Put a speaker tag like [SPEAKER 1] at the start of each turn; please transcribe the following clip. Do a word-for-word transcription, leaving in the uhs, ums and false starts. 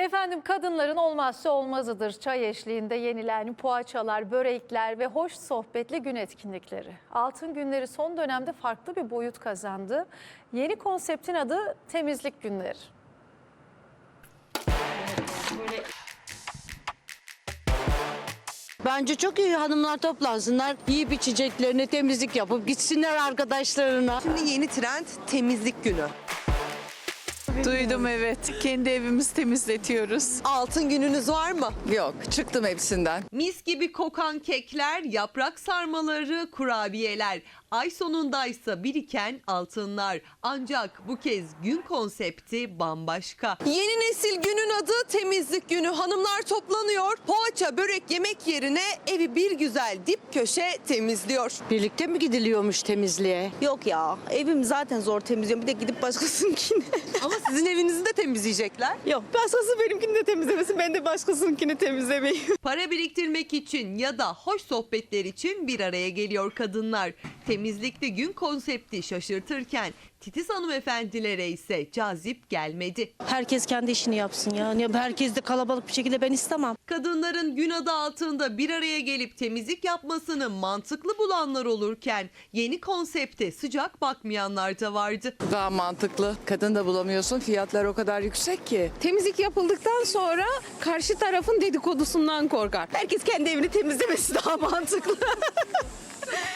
[SPEAKER 1] Efendim kadınların olmazsa olmazıdır çay eşliğinde yenilen poğaçalar, börekler ve hoş sohbetli gün etkinlikleri. Altın günleri son dönemde farklı bir boyut kazandı. Yeni konseptin adı temizlik günleri.
[SPEAKER 2] Bence çok iyi, hanımlar toplansınlar, yiyip içeceklerini temizlik yapıp gitsinler arkadaşlarına.
[SPEAKER 3] Şimdi yeni trend temizlik günü.
[SPEAKER 4] Duydum, evet. Kendi evimizi temizletiyoruz.
[SPEAKER 3] Altın gününüz var mı?
[SPEAKER 4] Yok, çıktım hepsinden.
[SPEAKER 3] Mis gibi kokan kekler, yaprak sarmaları, kurabiyeler. Ay sonundaysa biriken altınlar. Ancak bu kez gün konsepti bambaşka. Yeni nesil günün adı temizlik günü. Hanımlar toplanıyor. Poğaça, börek yemek yerine evi bir güzel dip köşe temizliyor.
[SPEAKER 2] Birlikte mi gidiliyormuş temizliğe?
[SPEAKER 5] Yok ya, evim zaten zor temizliyorum. Bir de gidip başkasınınkini.
[SPEAKER 3] Ama sizin evinizi de temizleyecekler.
[SPEAKER 5] Yok, başkası benimkini de temizlemesin. Ben de başkasınınkini temizlemeyeyim.
[SPEAKER 3] Para biriktirmek için ya da hoş sohbetler için bir araya geliyor kadınlar. Temizlikte gün konsepti şaşırtırken titiz hanımefendilere ise cazip gelmedi.
[SPEAKER 5] Herkes kendi işini yapsın ya. Ya herkes de kalabalık bir şekilde ben istemem.
[SPEAKER 3] Kadınların gün adı altında bir araya gelip temizlik yapmasını mantıklı bulanlar olurken yeni konsepte sıcak bakmayanlar da vardı.
[SPEAKER 4] Daha mantıklı. Kadın da bulamıyorsun. Fiyatlar o kadar yüksek ki.
[SPEAKER 6] Temizlik yapıldıktan sonra karşı tarafın dedikodusundan korkar.
[SPEAKER 5] Herkes kendi evini temizlemesi daha mantıklı.